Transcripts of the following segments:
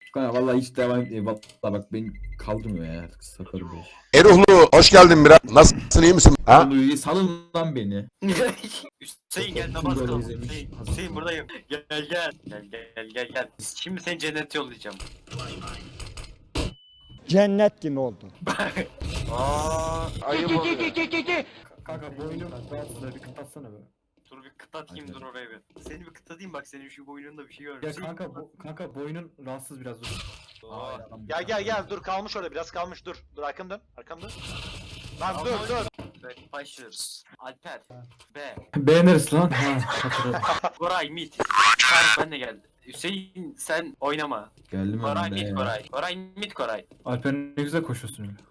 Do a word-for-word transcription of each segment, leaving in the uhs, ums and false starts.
Kanka vallahi hiç devam etmiyor. Vallahi bak beni kaldırmıyor ya artık sakarım bu iş. Eruhlu hoş geldin biraz. Nasılsın iyi misin? Ha? Oğlum salın lan beni. Hüseyin gel namaz kıl. Hüseyin, Hüseyin buradayım. Gel gel gel. Gel gel gel gel. Şimdi seni cennete yollayacağım. Cennet gibi oldu. Aa, ayıp oluyor. Kanka boynum rahatsız bir kapatsana be. Dur bir kıtlatayım dur oraya bir. Seni bir kıtlatayım bak senin şu boynunda bir şey var. Ya Hüseyin, kanka bu, kanka boynun rahatsız biraz dur. Aa, Gel gel gel dur kalmış orada biraz kalmış dur. Dur arkam dön arkam dön. Lan dur dur. Evet, başlıyoruz. Alper. B. Beğeniriz lan. Ha, hatırladım. Koray mid. Tarık ben de geldi. Hüseyin sen oynama. Geldim Koray önümde mid ya. Koray. Koray mid Koray. Alper ne güzel koşuyorsun öyle.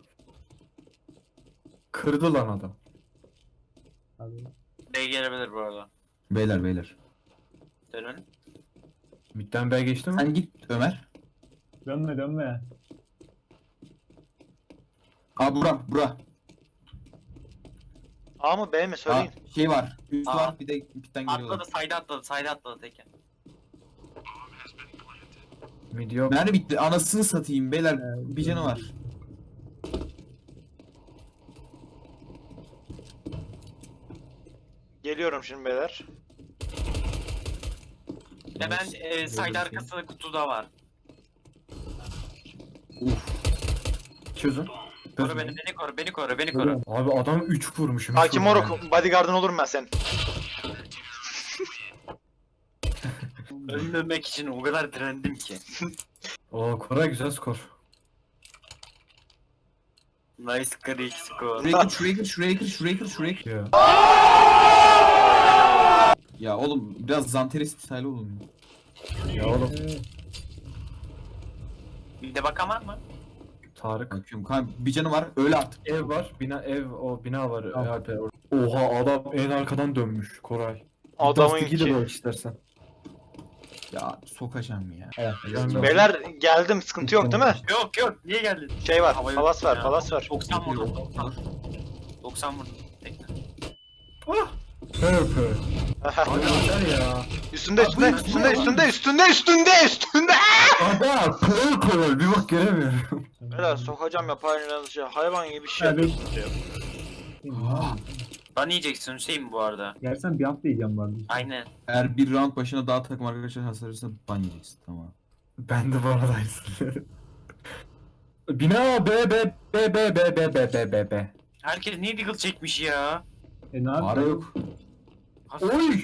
Kırdı lan adam. B gelebilir bu arada. Beyler beyler. Dönün. Midden B'ye geçti mi? Sen git Ömer. Dönme dönme. Aa bura bura. A mı B mi Aa, söyleyin. şey var. Üst Aa. var bir de bitten Atladı geliyorlar. sayda atladı sayda atladı teke. Mid yok. Mermi bitti. Anasını satayım beyler. Bir canı var. Geliyorum şimdi beyler. Ve ben e, sayda arkasında kutuda var. Çözün. Koru beni beni koru beni koru beni koru. Abi adam üç vurmuşum. üç Hakim vurmuş Moruk bodyguardın olurum ben senin. Ölmemek için o kadar direndim ki. yani. Oo Koray güzel skor. Nice Greek score. Şuraya gir şuraya gir şuraya gir şuraya gir şuraya gir. Ya. Ya oğlum biraz Zanteres style olun. Ya oğlum. Bir de bakamam mı? Tarık. Bakıyorum kanka bir canı var öyle artık. Ev var. Bina ev o bina var. Alper. Oha adam en arkadan dönmüş Koray. Adamın Dust iki de ki. bak istersen. Ya sokacağım ya. Ben de- Beyler geldim sıkıntı yok değil mi? Yok yok niye geldin? Şey var Havayı palas var ya. palas var. doksan vurdum doksan. doksan vurdum. Tekne. Purple. Hadi yeter ya. Üstünde üstünde üstünde üstünde üstünde üstünde üstünde. Adam purple. Bir bak göremiyorum. Beyler sokacağım yapayım şey hayvan gibi bir şey. Evet. Ban yiyeceksin Hüseyin bu arada. Gelsen bir hafta yiyeceğim bu arada. Aynen. Eğer bir round başına daha takım arkadaşlar hasar verirse ban yiyeceksin tamam. Ben de bu arada aynısını. Bina B B B B B B B B B B. Herkes niye deagle çekmiş ya? E ne Para yapayım? yok. Oy!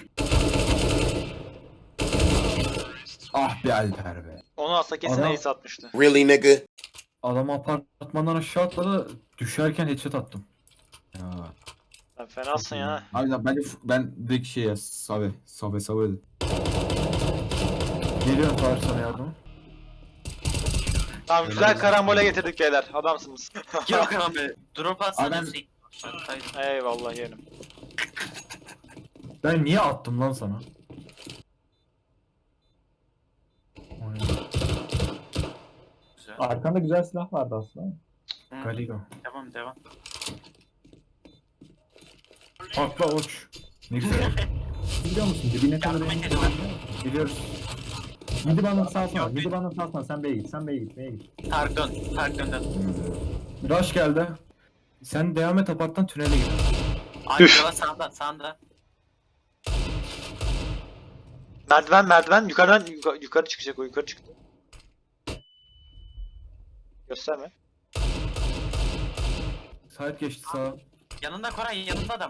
Ah be Alper be. Onu alsa kesin Adam- ace atmıştı. Really nigga? Adam apartmandan aşağı atladı. Düşerken headshot attım. Ya. Sen fenasın ya. Abi lan bence f- ben direkt şey ya Save. Save Save. Geliyorum Tarık sana yardım. Tamam güzel karambole getirdik beyler adamsınız. Yok abi. Drop atsana Adam- Hüseyin. Hayır. Eyvallah yerim. Ben niye attım lan sana? Oy, Güzel. Arkanda güzel silah vardı aslında. Hı, Galigo. Devam devam. Atla uç. Ne güzel. Biliyor musun dibine kadar Yardım en... edelim. Biliyoruz. Midi bana salsana. Yok, Midi bana salsana. Sen B'ye git. Sen B'ye git. B'ye git. Tarık dön. Tarık dön dön. Rush geldi. Sen devam et aparttan tünele gir. Abi yola sağda sağda. Merdiven merdiven yukarıdan yuka- yukarı çıkacak o yukarı çıktı. Gösterme. Sahip geçti sağa. Yanında Koray yanında adam.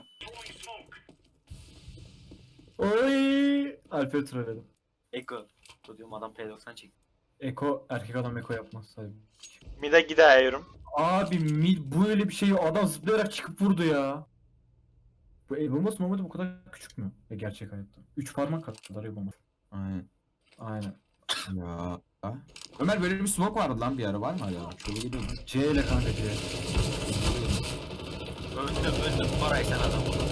Oy! Alper trolledim. Eko. Bu diyorum adam P doksan çekti. Eko erkek adam Eko yapmaz sahip. Mide gidiyorum. Abi mid bu öyle bir şey adam zıplayarak çıkıp vurdu ya. Bu el bombası normalde bu kadar küçük mü? E, gerçek hayatta. Üç parmak kadar el bombası. Aynen. Aynen. Ya. Ha? Ömer böyle bir smoke vardı lan bir ara var mı hala? Şöyle gidiyor mu? C ile kanka C. Öldüm öldüm Koray sen adam vurdun.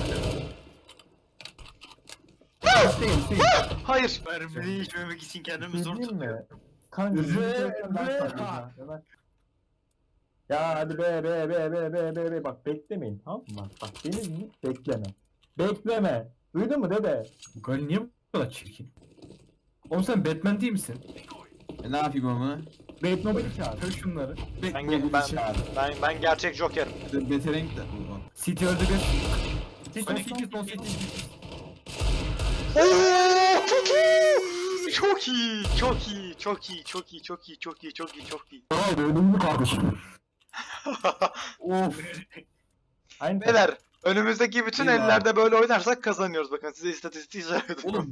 Hüseyin Hüseyin. Hayır. Mermiyi içmemek için kendimi zor Değil tutuyorum. mi? Kanka. Re- midi koysan ben re- sarayım ha. ya. Ömer. Ya hadi be be be be be be be bak beklemeyin tamam mı? Bak, bak beni hiç bekleme. Bekleme. Duydun mu dede? Bu Gali niye bu kadar çirkin? Oğlum sen Batman değil misin? E, ne yapayım ama? Batmobile'i çağır. Kır şunları. Ben, Ben, ge- ben, ben, ben gerçek Joker'im. Beterenk de. City öldü bir. Son Sonic. City, son City. Oo, çok iyi. Çok iyi. Çok iyi. Çok iyi. Çok iyi. Çok iyi. Çok iyi. Çok iyi. Çok iyi. Hayır ölümlü kardeşim. Of. Aynı Beyler önümüzdeki bütün Eyvah. ellerde böyle oynarsak kazanıyoruz. Bakın size istatistiği söyledim. Oğlum